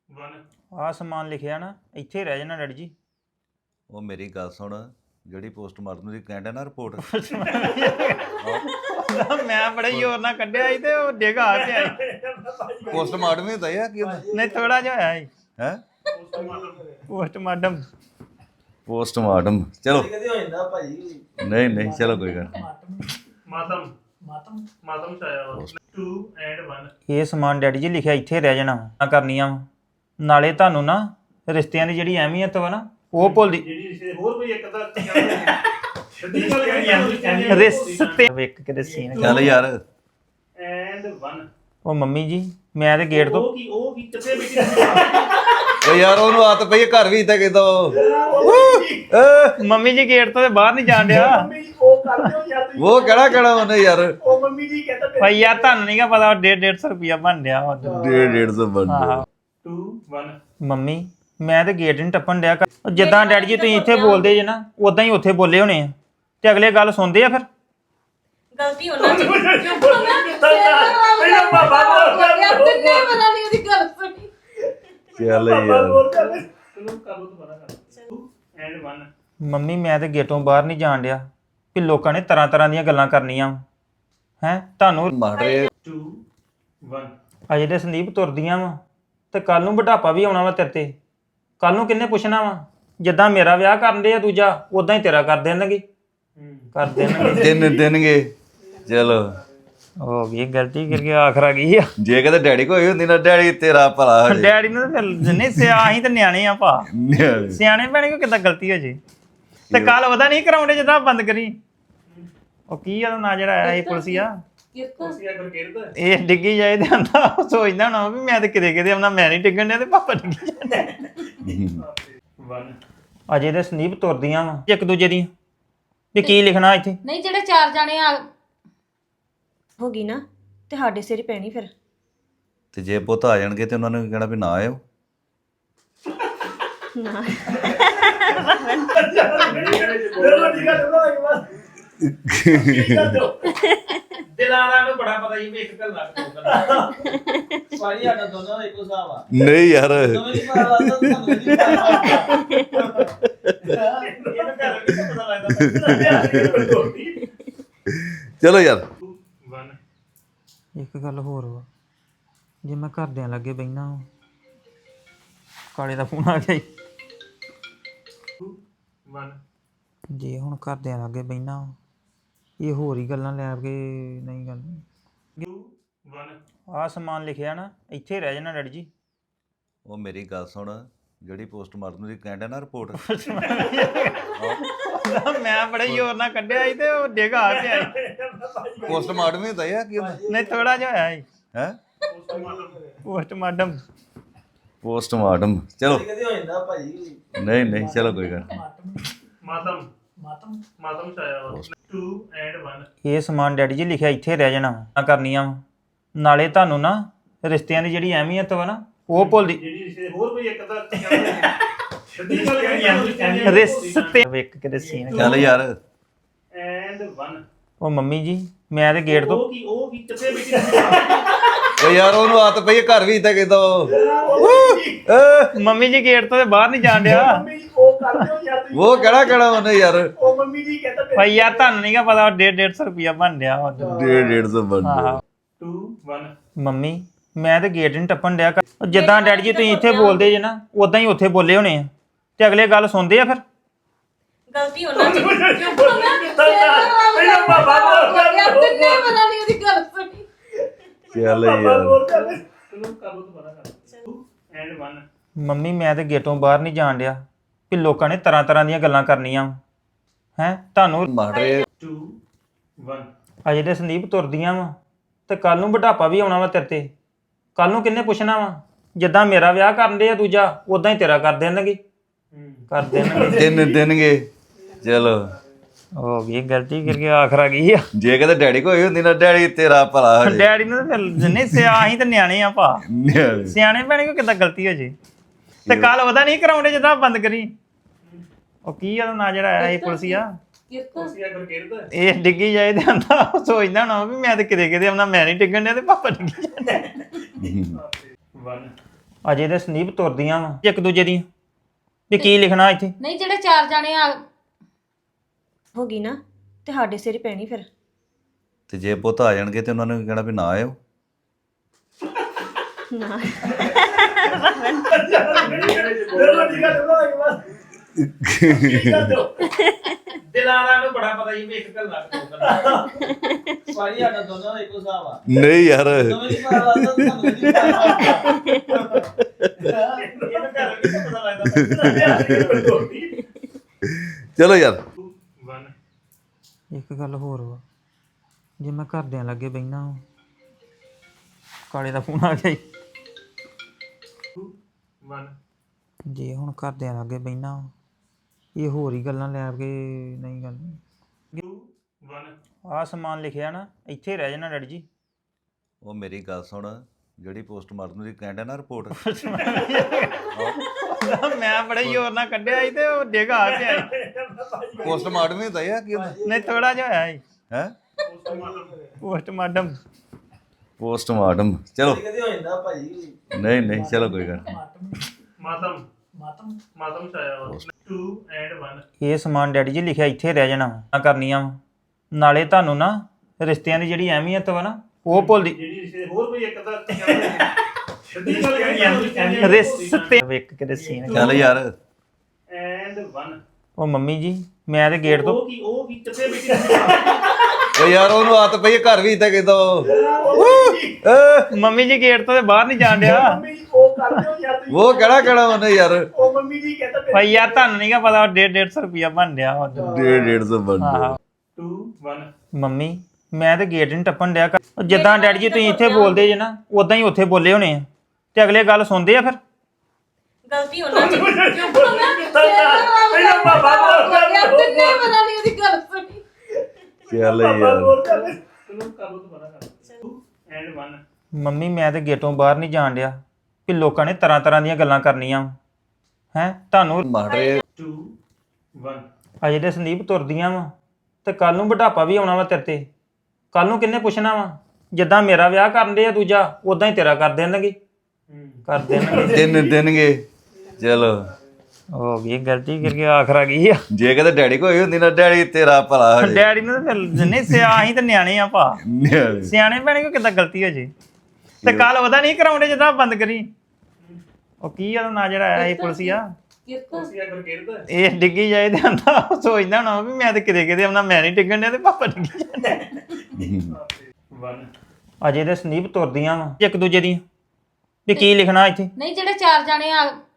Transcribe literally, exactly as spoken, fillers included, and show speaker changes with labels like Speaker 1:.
Speaker 1: ਆ ਸਮਾਨ ਲਿਖਿਆ ਨਾ ਇੱਥੇ ਰਹਿ ਜਾਣਾ ਡੈਡੀ ਜੀ।
Speaker 2: ਉਹ ਮੇਰੀ ਗੱਲ ਸੁਣ, ਜਿਹੜੀ ਪੋਸਟਮਾਰਟਮ ਦੀ ਕਹਿੰਦਾ ਨਾ ਰਿਪੋਰਟ,
Speaker 1: ਮੈਂ ਬੜੇ ਜ਼ੋਰ ਨਾਲ ਕੱਢਿਆ ਸੀ ਤੇ ਉਹ ਡਿੱਗ ਆ ਪਿਆ ਸੀ।
Speaker 2: ਪੋਸਟਮਾਰਟਮ ਹੀ ਹੁੰਦਾ ਆ ਕੀ ਹੁੰਦਾ
Speaker 1: ਨਹੀਂ ਥੋੜਾ ਜਿਹਾ ਹੋਇਆ ਸੀ
Speaker 2: ਹੈ
Speaker 1: ਪੋਸਟਮਾਰਟਮ।
Speaker 2: ਪੋਸਟਮਾਰਟਮ ਚਲੋ
Speaker 3: ਕਦੇ ਹੋ ਜਾਂਦਾ ਭਾਜੀ।
Speaker 2: ਨਹੀਂ ਨਹੀਂ ਚਲੋ ਕੋਈ ਗੱਲ ਨੀ।
Speaker 4: ਮਾਤਮ ਮਾਤਮ ਮਾਤਮ ਚਾਇਆ ਵਾ two and one
Speaker 1: ਇਹ ਸਮਾਨ ਡੈਡੀ ਜੀ ਲਿਖਿਆ ਇੱਥੇ ਰਹਿ ਜਾਣਾ ਵਾ ਕਰਨੀਆਂ ਵਾ। ਨਾਲੇ ਤੁਹਾਨੂੰ ਨਾ ਰਿਸ਼ਤਿਆਂ ਦੀ ਜਿਹੜੀ ਅਹਿਮੀਅਤ ਵਾ ਨਾ ਉਹ ਭੁੱਲਦੀ।
Speaker 4: ਜਿਹੜੀ ਰਿਸ਼ਤੇ ਹੋਰ ਕੋਈ ਇੱਕ ਦਾ ਛੱਡੀ ਗੱਲ ਕਰਨੀ
Speaker 1: ਰਿਸ਼ਤੇ ਵੇਖ ਕੇ ਸੀਨ
Speaker 2: ਚੱਲ ਯਾਰ
Speaker 4: and one
Speaker 1: ਉਹ ਮੰਮੀ ਜੀ ਮੈਂ ਤੇ ਗੇਟ ਤੋਂ
Speaker 4: ਉਹ ਕੀ ਉਹ ਕੀ ਕਿੱਥੇ ਬੈਠੀ
Speaker 2: ਓ ਯਾਰ ਉਹਨੂੰ ਆਦਤ ਪਈ ਹੈ ਘਰ ਵੀ ਇੱਥੇ ਕਿਦੋਂ
Speaker 1: ਮੰਮੀ ਜੀ ਗੇਟ ਤੋਂ ਤੇ ਬਾਹਰ ਨਹੀਂ ਜਾਣ ਡਿਆ।
Speaker 4: ਉਹ ਕਰਦੇ ਹੋ ਯਾਰ ਤੁਸੀਂ।
Speaker 2: ਉਹ ਕਿਹੜਾ ਕਿਹੜਾ ਉਹਨੇ ਯਾਰ
Speaker 4: ਉਹ ਮੰਮੀ ਜੀ ਕਹਿੰਦਾ
Speaker 1: ਭਾਈ ਯਾਰ ਤੁਹਾਨੂੰ ਨਹੀਂਗਾ ਪਤਾ ਡੇਢ ਡੇਢ ਸੌ ਰੁਪਇਆ ਬਣ ਡਿਆ ਵਾ।
Speaker 2: ਡੇਢ ਡੇਢ ਸੌ ਬਣ
Speaker 1: ਆਹੋ
Speaker 4: two one
Speaker 1: ਮੰਮੀ ਮੈਂ ਤੇ ਗੇਟ ਨਹੀਂ ਟੱਪਣ ਡਿਆ। ਉਹ ਜਿੱਦਾਂ ਡੈਡੀ ਜੀ ਤੁਸੀਂ ਇੱਥੇ ਬੋਲਦੇ ਜੇ ਨਾ ਉਦਾਂ ਹੀ ਉੱਥੇ ਬੋਲੇ ਹੋਣੇ ਆ ਤੇ ਅਗਲੇ ਗੱਲ ਸੁਣਦੇ ਆ ਫਿਰ।
Speaker 5: ਗਲਤੀ ਉਹਨਾਂ ਦੀ
Speaker 4: ਪਹਿਲਾਂ ਬਾਬਾ ਬੋਲ
Speaker 5: ਤਿੰਨੇ ਵਾਰਾਂ ਦੀ ਉਹਦੀ ਗੱਲ ਸੁਣੀ।
Speaker 2: ਚੱਲ
Speaker 4: ਬਾਬਾ
Speaker 2: ਯਾਰ
Speaker 4: ਬੋਲ ਕਰ ਚਲੋ ਕਰ ਲੋ ਦੁਬਾਰਾ ਕਰ two and one
Speaker 1: ਮੰਮੀ ਮੈਂ ਤੇ ਗੇਟੋਂ ਬਾਹਰ ਨਹੀਂ ਜਾਣ ਡਿਆ ਵੀ ਲੋਕਾਂ ਨੇ ਤਰ੍ਹਾਂ ਤਰ੍ਹਾਂ ਦੀਆਂ ਗੱਲਾਂ ਕਰਨੀਆਂ ਹੈ ਤੁਹਾਨੂੰ।
Speaker 2: ਮਾਰੇ
Speaker 4: two one
Speaker 1: ਅਜੇ ਤੇ ਸੰਦੀਪ ਤੁਰਦੀਆਂ ਵਾ ਤੇ ਕੱਲ ਨੂੰ ਬੁਢਾਪਾ ਵੀ ਆਉਣਾ ਵਾ ਤੇਰੇ ਤੇ। ਕੱਲ ਨੂੰ ਕਿੰਨੇ ਪੁੱਛਣਾ ਵਾ ਜਿੱਦਾਂ ਮੇਰਾ ਵਿਆਹ ਕਰਨ ਦੇ ਆ ਦੂਜਾ ਉਦਾਂ ਹੀ ਤੇਰਾ ਕਰ ਦੇਣਗੇ ਕਰ ਦੇਣਗੇ।
Speaker 2: ਦਿਨ ਦੇਣਗੇ ਚਲੋ
Speaker 1: ਹੋ ਗਈ ਗਲਤੀ ਕਰਕੇ ਆਖਰ ਆ ਗਈ ਆ।
Speaker 2: ਜੇ ਕਦੇ ਡੈਡੀ ਕੋਈ ਹੁੰਦੀ ਨਾ ਡੈਡੀ ਤੇਰਾ ਭਲਾ ਹੋ ਜੇ
Speaker 1: ਡੈਡੀ ਨੂੰ ਤਾਂ ਫਿਰ ਨਹੀਂ ਸਿਆ ਅਸੀਂ ਤਾਂ ਨਿਆਣੇ ਆ ਭਾ ਸਿਆਣੇ ਭੈਣੇ ਕੋ ਕਿੱਦਾਂ ਗਲਤੀ ਹੋ ਜੇ। ਤੇ ਕੱਲ ਉਹਦਾ ਨਹੀਂ ਕਰਾਉਂਦੇ ਜਿੱਦਾਂ ਬੰਦ ਕਰੀ। ਉਹ ਕੀ ਆ ਨਾ ਜਿਹੜਾ ਆਇਆ ਸੀ ਪੁਲਸੀਆ
Speaker 5: ਕਿਰਕੋ
Speaker 4: ਸੀ ਅਗਰ ਕਿਰਦ
Speaker 1: ਇਹ ਡਿੱਗੀ ਜਾਏ ਤੇ ਆਂਦਾ ਉਹ ਸੋਚਦਾ ਨਾ ਵੀ ਮੈਂ ਤੇ ਕਿਤੇ ਕਿਤੇ ਆਉਣਾ ਮੈਂ ਨਹੀਂ ਡਿੱਗਣ ਡਿਆ ਤੇ ਪਾਪਾ ਡਿੱਗੀ ਜਾਂਦਾ।
Speaker 4: one
Speaker 1: ਅਜੇ ਤੇ ਸੰਦੀਪ ਤੁਰਦੀਆਂ ਵਾ ਇੱਕ ਦੂਜੇ ਦੀਆਂ ਵੀ ਕੀ ਲਿਖਣਾ ਇੱਥੇ।
Speaker 5: ਨਹੀਂ ਜਿਹੜੇ ਚਾਰ ਜਾਣੇ ਆ ਹੋ ਗਈ ਨਾ ਤੇ ਸਾਡੇ ਸਿਰ ਹੀ ਪੈਣੀ ਫਿਰ।
Speaker 2: ਤੇ ਜੇ ਪੁੱਤ ਆ ਜਾਣਗੇ ਤੇ ਉਹਨਾਂ ਨੇ ਕਹਿਣਾ ਵੀ ਨਾ ਆਇਓ।
Speaker 5: ਨਾ
Speaker 4: ਦਿਲਾਰਾ ਨੂੰ ਬੜਾ ਪਤਾ ਹੀ ਵੀ ਇੱਕ ਗੱਲ ਲੱਗ ਪਊਗਾ ਸਾਰੀ ਸਾਡਾ ਦੋਨਾਂ ਦਾ ਇੱਕੋ ਹਿਸਾਬ ਆ
Speaker 2: ਨਹੀਂ ਯਾਰ
Speaker 4: ਦੋਵੇਂ ਦੀ ਪਤਾ ਲੱਗਦਾ ਤੁਹਾਨੂੰ ਨਹੀਂ ਪਤਾ ਇਹਨੂੰ ਘਰ ਵੀ ਪਤਾ ਲੱਗਦਾ
Speaker 2: ਚਲੋ ਯਾਰ
Speaker 4: one
Speaker 1: ਇੱਕ ਗੱਲ ਹੋਰ ਵਾ ਜੇ ਮੈਂ ਘਰਦਿਆਂ ਲੱਗੇ ਬਹਿਣਾ ਕਾਲੇ ਦਾ ਫੋਨ ਆ ਗਿਆ ਈ।
Speaker 4: one
Speaker 1: ਜੇ ਹੁਣ ਘਰਦਿਆਂ ਲੱਗੇ ਬਹਿਣਾ ਇਹ ਹੋਰ ਹੀ ਗੱਲਾਂ ਲੈ ਕੇ ਨਹੀਂ ਗੱਲ।
Speaker 4: two one
Speaker 1: ਆਹ ਸਮਾਨ ਲਿਖਿਆ ਨਾ ਇੱਥੇ ਰਹਿ ਜਾਣਾ ਡੈਡੀ ਜੀ।
Speaker 2: ਉਹ ਮੇਰੀ ਗੱਲ ਸੁਣ, ਜਿਹੜੀ ਪੋਸਟਮਾਰਟਮ ਦੀ ਕਹਿੰਦਾ ਨਾ ਰਿਪੋਰਟ,
Speaker 1: ਮੈਂ ਬੜੇ ਜ਼ੋਰ ਨਾਲ ਕੱਢਿਆ ਸੀ ਤੇ ਉਹ ਡਿੱਗ ਆ ਪਿਆ ਸੀ।
Speaker 2: ਪੋਸਟਮਾਰਟਮ ਹੀ ਹੁੰਦਾ ਆ ਕੀ ਹੁੰਦਾ
Speaker 1: ਨਹੀਂ ਥੋੜਾ ਜਿਹਾ ਹੋਇਆ ਸੀ
Speaker 2: ਹੈ
Speaker 1: ਪੋਸਟਮਾਰਟਮ।
Speaker 2: ਪੋਸਟਮਾਰਟਮ ਚਲੋ
Speaker 3: ਕਦੇ ਹੋ ਜਾਂਦਾ ਭਾਜੀ।
Speaker 2: ਨਹੀਂ ਨਹੀਂ ਚਲੋ ਕੋਈ ਗੱਲ ਨੀ।
Speaker 4: ਮਾਤਮ ਮਾਤਮ ਮਾਤਮ ਚਾਇਆ ਵਾ two and one
Speaker 1: ਇਹ ਸਮਾਨ ਡੈਡੀ ਜੀ ਲਿਖਿਆ ਇੱਥੇ ਰਹਿ ਜਾਣਾ ਵਾ ਕਰਨੀਆਂ ਵਾ। ਨਾਲੇ ਤੁਹਾਨੂੰ ਨਾ ਰਿਸ਼ਤਿਆਂ ਦੀ ਜਿਹੜੀ ਅਹਿਮੀਅਤ ਵਾ ਨਾ ਉਹ ਭੁੱਲਦੀ।
Speaker 4: ਜਿਹੜੀ ਰਿਸ਼ਤੇ ਹੋਰ ਕੋਈ ਇੱਕ ਦਾ ਛੱਡੀ ਗੱਲ ਕਰਨੀ
Speaker 1: ਰਿਸ਼ਤੇ ਵੇਖ ਕੇ ਸੀਨ
Speaker 2: ਚੱਲ ਯਾਰ
Speaker 4: and one
Speaker 1: ਉਹ ਮੰਮੀ ਜੀ ਮੈਂ ਤੇ ਗੇਟ ਤੋਂ
Speaker 4: ਉਹ ਕੀ ਉਹ ਕੀ ਕਿੱਥੇ ਬੈਠੀ
Speaker 2: ਓ ਯਾਰ ਉਹਨੂੰ ਆਦਤ ਪਈ ਹੈ ਘਰ ਵੀ ਇੱਥੇ ਕਿਦੋਂ
Speaker 1: ਮੰਮੀ ਜੀ ਗੇਟ ਤੋਂ ਤੇ ਬਾਹਰ ਨਹੀਂ ਜਾਣ ਡਿਆ।
Speaker 4: ਉਹ ਕਰਦੇ ਹੋ ਯਾਰ ਤੁਸੀਂ।
Speaker 2: ਉਹ ਕਿਹੜਾ ਕਿਹੜਾ ਉਹਨੇ ਯਾਰ
Speaker 4: ਉਹ ਮੰਮੀ ਜੀ ਕਹਿੰਦਾ
Speaker 1: ਭਾਈ ਯਾਰ ਤੁਹਾਨੂੰ ਨਹੀਂਗਾ ਪਤਾ ਡੇਢ ਡੇਢ ਸੌ ਰੁਪਇਆ ਬਣ ਡਿਆ ਵਾ।
Speaker 2: ਡੇਢ ਡੇਢ ਸੌ ਬਣ
Speaker 1: ਆਹੋ
Speaker 4: two one
Speaker 1: ਮੰਮੀ ਮੈਂ ਤੇ ਗੇਟ ਨਹੀਂ ਟੱਪਣ ਡਿਆ। ਉਹ ਜਿੱਦਾਂ ਡੈਡੀ ਜੀ ਤੁਸੀਂ ਇੱਥੇ ਬੋਲਦੇ ਜੇ ਨਾ ਉਦਾਂ ਹੀ ਉੱਥੇ ਬੋਲੇ ਹੋਣੇ ਆ ਤੇ ਅਗਲੇ ਗੱਲ ਸੁਣਦੇ ਆ ਫਿਰ।
Speaker 5: ਗਲਤੀ ਉਹਨਾਂ ਦੀ
Speaker 4: ਪਹਿਲਾਂ ਬਾਬਾ ਬੋਲ ਕਰ
Speaker 5: ਤਿੰਨੇ ਵਾਰਾਂ ਦੀ ਉਹਦੀ ਗੱਲ ਸੁਣੀ।
Speaker 2: ਚੱਲ
Speaker 4: ਬਾਬਾ
Speaker 2: ਯਾਰ
Speaker 4: ਬੋਲ ਕਰ ਚਲੋ ਕਰ ਲੋ ਦੁਬਾਰਾ ਕਰ two and one
Speaker 1: ਮੰਮੀ ਮੈਂ ਤੇ ਗੇਟੋਂ ਬਾਹਰ ਨਹੀਂ ਜਾਣ ਡਿਆ ਵੀ ਲੋਕਾਂ ਨੇ ਤਰ੍ਹਾਂ ਤਰ੍ਹਾਂ ਦੀਆਂ ਗੱਲਾਂ ਕਰਨੀਆਂ ਹੈ ਤੁਹਾਨੂੰ।
Speaker 2: ਮਾਰੇ
Speaker 4: two one
Speaker 1: ਅਜੇ ਤੇ ਸੰਦੀਪ ਤੁਰਦੀਆਂ ਵਾ ਤੇ ਕੱਲ ਨੂੰ ਬੁਢਾਪਾ ਵੀ ਆਉਣਾ ਵਾ ਤੇਰੇ ਤੇ। ਕੱਲ ਨੂੰ ਕਿੰਨੇ ਪੁੱਛਣਾ ਵਾ ਜਿੱਦਾਂ ਮੇਰਾ ਵਿਆਹ ਕਰਨ ਦੇ ਆ ਦੂਜਾ ਉਦਾਂ ਹੀ ਤੇਰਾ ਕਰ ਦੇਣਗੇ ਕਰ ਦੇਣਗੇ।
Speaker 2: ਦਿਨ ਦੇਣਗੇ ਚਲੋ
Speaker 1: ਹੋ ਗਈ ਗਲਤੀ ਕਰਕੇ ਆਖਰ ਆ ਗਈ ਆ।
Speaker 2: ਜੇ ਕਦੇ ਡੈਡੀ ਕੋਈ ਹੁੰਦੀ ਨਾ ਡੈਡੀ ਤੇਰਾ ਭਲਾ ਹੋ ਜੇ
Speaker 1: ਡੈਡੀ ਨੂੰ ਤਾਂ ਫਿਰ ਨਹੀਂ ਸਿਆ ਅਸੀਂ ਤਾਂ ਨਿਆਣੇ ਆ ਭਾ ਸਿਆਣੇ ਭੈਣੇ ਕੋ ਕਿੱਦਾਂ ਗਲਤੀ ਹੋ ਜੇ। ਤੇ ਕੱਲ ਉਹਦਾ ਨਹੀਂ ਕਰਾਉਂਦੇ ਜਿੱਦਾਂ ਬੰਦ ਕਰੀ। ਉਹ ਕੀ ਆ ਨਾ ਜਿਹੜਾ ਆਇਆ ਸੀ ਪੁਲਸੀਆ
Speaker 5: ਕਿਰਕੋ
Speaker 4: ਸੀ ਅਗਰ ਕਿਰਦ
Speaker 1: ਇਹ ਡਿੱਗੀ ਜਾਏ ਤੇ ਆਂਦਾ ਉਹ ਸੋਚਦਾ ਨਾ ਵੀ ਮੈਂ ਤੇ ਕਿਤੇ ਕਿਤੇ ਆਉਣਾ ਮੈਂ ਨਹੀਂ ਡਿੱਗਣ ਡਿਆ ਤੇ ਪਾਪਾ ਡਿੱਗੀ ਜਾਂਦਾ।
Speaker 4: one
Speaker 1: ਅਜੇ ਦੇ ਸੰਦੀਪ ਤੁਰਦੀਆਂ ਵਾ ਇੱਕ ਦੂਜੇ ਦੀਆਂ ਵੀ ਕੀ ਲਿਖਣਾ ਇੱਥੇ।
Speaker 5: ਨਹੀਂ ਜਿਹੜੇ ਚਾਰ ਜਾਣੇ ਆ ਹੋ ਗਈ ਨਾ ਤੇ ਸਾਡੇ ਸਿਰ ਹੀ ਪੈਣੀ ਫਿਰ।
Speaker 2: ਤੇ ਜੇ ਪੁੱਤ ਆ ਜਾਣਗੇ ਤੇ ਉਹਨਾਂ ਨੂੰ ਕਹਿਣਾ ਵੀ ਨਾ ਆਇਓ।
Speaker 5: ਨਾ
Speaker 4: ਦਿਲਾਰਾ ਨੂੰ ਬੜਾ ਪਤਾ ਜੀ ਵੀ ਇੱਕ ਗੱਲ ਲੱਗ ਦੋ
Speaker 3: ਭਾਜੀ ਸਾਡਾ ਦੋਨਾਂ ਦਾ ਇੱਕੋ ਹਿਸਾਬ ਆ
Speaker 2: ਨਹੀਂ ਯਾਰ
Speaker 3: ਦੋਵੇਂ ਨਹੀਂ ਪਤਾ ਲੱਗਦਾ ਤੁਹਾਨੂੰ ਨਹੀਂ ਪਤਾ
Speaker 4: ਇਹਨੂੰ ਘਰ ਵੀ ਤਾਂ ਪਤਾ ਲੱਗਦਾ
Speaker 2: ਚਲੋ ਯਾਰ
Speaker 1: ਇੱਕ ਗੱਲ ਹੋਰ ਵਾ, ਜੇ ਮੈਂ ਘਰਦਿਆਂ ਲੱਗੇ ਬਹਿਣਾ ਕਾਲੇ ਦਾ ਫੋਨ ਆ ਗਿਆ ਈ। ਜੇ ਹੁਣ ਘਰਦਿਆਂ ਲੱਗੇ ਬਹਿਣਾ ਇਹ ਹੋਰ ਹੀ ਗੱਲਾਂ ਲੈ ਕੇ ਨਹੀਂ ਗੱਲ ਆਹ ਸਮਾਨ ਲਿਖਿਆ ਨਾ ਇੱਥੇ ਰਹਿ ਜਾਣਾ ਡੈਡੀ ਜੀ।
Speaker 2: ਉਹ ਮੇਰੀ ਗੱਲ ਸੁਣ, ਜਿਹੜੀ ਪੋਸਟਮਾਰਟਮ ਦੀ ਕਹਿੰਦਾ ਨਾ ਰਿਪੋਰਟ
Speaker 1: ਮੈਂ ਬੜੇ ਜ਼ੋਰ ਨਾਲ ਕੱਢਿਆ ਸੀ ਤੇ ਉਹ ਡਿੱਗ ਆ ਪਿਆ ਸੀ।
Speaker 2: ਪੋਸਟਮਾਰਟਮ ਹੀ ਹੁੰਦਾ ਯਾਰ ਕੀ ਹੁੰਦਾ
Speaker 1: ਨਹੀਂ ਥੋੜਾ ਜਿਹਾ ਹੋਇਆ ਸੀ
Speaker 2: ਹੈ
Speaker 1: ਪੋਸਟਮਾਰਟਮ।
Speaker 2: ਪੋਸਟਮਾਰਟਮ ਚਲੋ
Speaker 3: ਕਦੇ ਹੋ ਜਾਂਦਾ ਭਾਜੀ
Speaker 2: ਨਹੀਂ ਨਹੀਂ ਚਲੋ ਕੋਈ ਗੱਲ ਨੀ।
Speaker 4: ਮਾਤਮ ਮਾਤਮ ਮਾਤਮ ਚਾਇਆ two and one
Speaker 1: ਇਹ ਸਮਾਨ ਡੈਡੀ ਜੀ ਲਿਖਿਆ ਇੱਥੇ ਰਹਿ ਜਾਣਾ ਵਾ ਕਰਨੀਆਂ ਵਾ ਨਾਲੇ ਤੁਹਾਨੂੰ ਨਾ ਰਿਸ਼ਤਿਆਂ ਦੀ ਜਿਹੜੀ ਅਹਿਮੀਅਤ ਵਾ ਨਾ ਉਹ ਭੁੱਲਦੀ
Speaker 4: ਜਿਹੜੀ ਰਿਸ਼ਤੇ ਹੋਰ ਕੋਈ ਇੱਕ ਦਾ ਸਿੱਧੀ ਗੱਲ ਕਰੀ
Speaker 1: ਰਿਸ਼ਤੇ ਵੇਖ ਕੇ ਸੀਨ
Speaker 2: ਚੱਲ ਯਾਰ
Speaker 4: ਐਂਡ one
Speaker 1: ਉਹ ਮੰਮੀ ਜੀ ਮੈਂ ਤੇ ਗੇਟ ਤੋਂ
Speaker 4: ਉਹ ਕੀ ਉਹ ਕੀ ਕਿੱਥੇ ਬੈਠੀ
Speaker 2: ਓ ਯਾਰ ਉਹਨੂੰ ਆਤ ਪਈ ਹੈ, ਘਰ ਵੀ ਇਦਾਂ ਕਹਿੰਦਾ
Speaker 1: ਮੰਮੀ ਜੀ ਗੇਟ ਤੋਂ ਤੇ ਬਾਹਰ ਨਹੀਂ ਜਾਣ ਡਿਆ
Speaker 4: ਮੰਮੀ ਜੀ ਉਹ ਕਰਦੇ ਹੋ ਯਾਰ ਤੁਸੀਂ
Speaker 2: ਉਹ ਕਿਹੜਾ ਕਿਹੜਾ ਉਹਨੇ ਯਾਰ
Speaker 4: ਉਹ ਮੰਮੀ ਜੀ ਕਹਿੰਦਾ
Speaker 1: ਭਾਈ ਯਾਰ ਤੁਹਾਨੂੰ ਨਹੀਂਗਾ ਪਤਾ ਡੇਢ ਡੇਢ ਸੌ ਰੁਪਇਆ ਬਣ ਡਿਆ ਵਾ।
Speaker 2: ਡੇਢ ਡੇਢ ਸੌ ਬੰਦੇ
Speaker 1: ਆਹੋ
Speaker 4: two one
Speaker 1: ਮੰਮੀ ਮੈਂ ਤੇ ਗੇਟ ਨਹੀਂ ਟੱਪਣ ਡਿਆ ਉਹ ਜਿੱਦਾਂ ਡੈਡੀ ਜੀ ਤੁਸੀਂ ਇੱਥੇ ਬੋਲਦੇ ਜੇ ਨਾ ਉਦਾਂ ਹੀ ਉੱਥੇ ਬੋਲੇ ਹੋਣੇ ਆ ਤੇ ਅਗਲੇ ਗੱਲ ਸੁਣਦੇ ਆ ਫਿਰ।
Speaker 5: ਗਲਤੀ ਉਹਨਾਂ ਦੀ
Speaker 4: ਪਹਿਲਾਂ ਬਾਬਾ
Speaker 5: ਯਾਰ ਤਿੰਨੇ ਪਤਾ ਨਹੀਂ ਉਹਦੀ ਗੱਲ ਸੁਣੀ।
Speaker 2: ਚੱਲ ਯਾਰ
Speaker 4: ਚਲੋ ਕਰ ਲੋ ਦੁਬਾਰਾ ਕਰ two and one
Speaker 1: ਮੰਮੀ ਮੈਂ ਤੇ ਗੇਟੋਂ ਬਾਹਰ ਨਹੀਂ ਜਾਣ ਡਿਆ ਕਿ ਲੋਕਾਂ ਨੇ ਤਰ੍ਹਾਂ ਤਰ੍ਹਾਂ ਦੀਆਂ ਗੱਲਾਂ ਕਰਨੀਆਂ ਹੈ ਤੁਹਾਨੂੰ
Speaker 2: ਮਾਰੇ
Speaker 4: two one
Speaker 1: ਅਜੇ ਦੇ ਸੰਦੀਪ ਤੁਰਦੀਆਂ ਵਾ ਤੇ ਕੱਲ ਨੂੰ ਬੁਢਾਪਾ ਵੀ ਆਉਣਾ ਵਾ ਤੇਰੇ ਤੇ। ਕੱਲ ਨੂੰ ਕਿੰਨੇ ਪੁੱਛਣਾ ਵਾ ਜਿੱਦਾਂ ਮੇਰਾ ਵਿਆਹ ਕਰਨ ਦੇ ਆ ਦੂਜਾ ਉਦਾਂ ਹੀ ਤੇਰਾ ਕਰ ਦੇਣਗੇ ਕਰ ਦੇਣਗੇ।
Speaker 2: ਤਿੰਨ ਦਿਨਗੇ ਚਲੋ
Speaker 1: ਹੋ ਗਈ ਗਲਤੀ ਕਰਕੇ ਆਖਰ ਆ ਗਈ ਆ।
Speaker 2: ਜੇ ਕਦੇ ਡੈਡੀ ਕੋਈ ਹੁੰਦੀ ਨਾ ਡੈਡੀ ਤੇਰਾ ਭਲਾ ਹੋ ਜੇ
Speaker 1: ਡੈਡੀ ਨੂੰ ਤਾਂ ਫਿਰ ਨਹੀਂ ਸਿਆ ਅਸੀਂ ਤਾਂ ਨਿਆਣੇ ਆ ਭਾ ਸਿਆਣੇ ਭੈਣੇ ਕੋ ਕਿੱਦਾਂ ਗਲਤੀ ਹੋ ਜੇ ਤੇ ਕੱਲ ਉਹਦਾ ਨਹੀਂ ਕਰਾਉਂਦੇ ਜਦੋਂ ਬੰਦ ਕਰੀ ਉਹ ਕੀ ਆ ਨਾਂ ਜਿਹੜਾ ਆਇਆ ਸੀ ਪੁਲਿਸੀਆ
Speaker 4: ਤੁਸੀਂ ਅਗਰ ਕਿਰਦਾ
Speaker 1: ਇਹ ਡਿੱਗੀ ਜਾਏ ਤੇ ਆਂਦਾ ਉਹ ਸੋਚਦਾ ਹੋਣਾ ਵੀ ਮੈਂ ਤੇ ਕਿਤੇ ਕਿਤੇ ਆਉਣਾ ਮੈਂ ਨਹੀਂ ਡਿੱਗਣ ਡਿਆ ਤੇ ਪਾਪਾ ਡਿੱਗੀ ਜਾਂਦਾ।
Speaker 4: one
Speaker 1: ਅਜੇ ਦੇ ਸੰਦੀਪ ਤੁਰਦੀਆਂ ਵਾ ਇੱਕ ਦੂਜੇ ਦੀਆਂ ਵੀ ਕੀ ਲਿਖਣਾ ਇੱਥੇ।
Speaker 5: ਨਹੀਂ ਜਿਹੜੇ ਚਾਰ ਜਾਣੇ ਆ